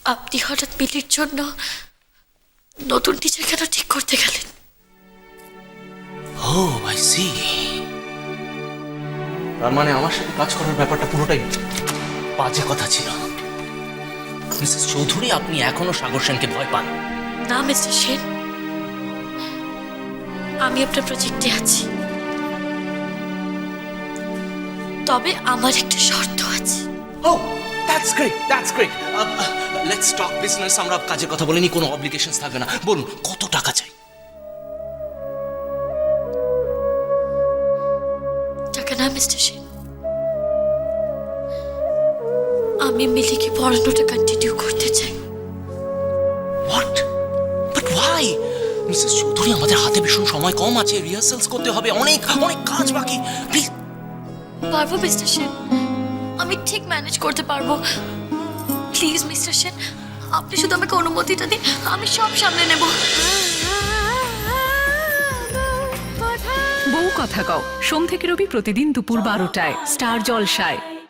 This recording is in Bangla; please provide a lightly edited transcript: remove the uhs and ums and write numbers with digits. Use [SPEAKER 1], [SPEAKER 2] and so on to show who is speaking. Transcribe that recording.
[SPEAKER 1] আপনি হঠাৎ মিলির জন্য নতুন টিচার কেন ঠিক করতে গেলেন?
[SPEAKER 2] Oh I see. তার মানে আমার সাথে কাজ করার ব্যাপারটা পুরোটাই বাজে কথা ছিল। মিসেস চৌধুরী, আপনি এখনো সাগর সেনকে ভয় পান?
[SPEAKER 1] না মিস্টার সেন, আমি আপনার প্রজেক্টে আছি, তবে আমার একটা শর্ত আছে।
[SPEAKER 2] Oh, that's great, that's great. Let's talk business. আমরা কাজের কথা বলিনি, কোনো অব্লিগেশনস থাকবে না। বলুন কত টাকা চাই?
[SPEAKER 1] টাকা না মিস্টার সেন, আমি মিলিকে পড়ানোটা কন্টিনিউ করতে চাই।
[SPEAKER 2] What? But why? Mrs Chowdhury, আমাদের হাতে ভীষণ সময় কম আছে, রিহার্সালস করতে হবে, অনেক অনেক কাজ বাকি। প্লিজ।
[SPEAKER 1] পারবো মিস্টার সেন, আমি ঠিক ম্যানেজ করতে পারবো। প্লিজ মিস্টার সেন, আপনি শুধু আমাকে অনুমতিটা দিন, আমি সব সামলে নেব।
[SPEAKER 3] বউ কথা কও সোম থেকে রবি প্রতিদিন দুপুর 12টায় স্টার জলসায়।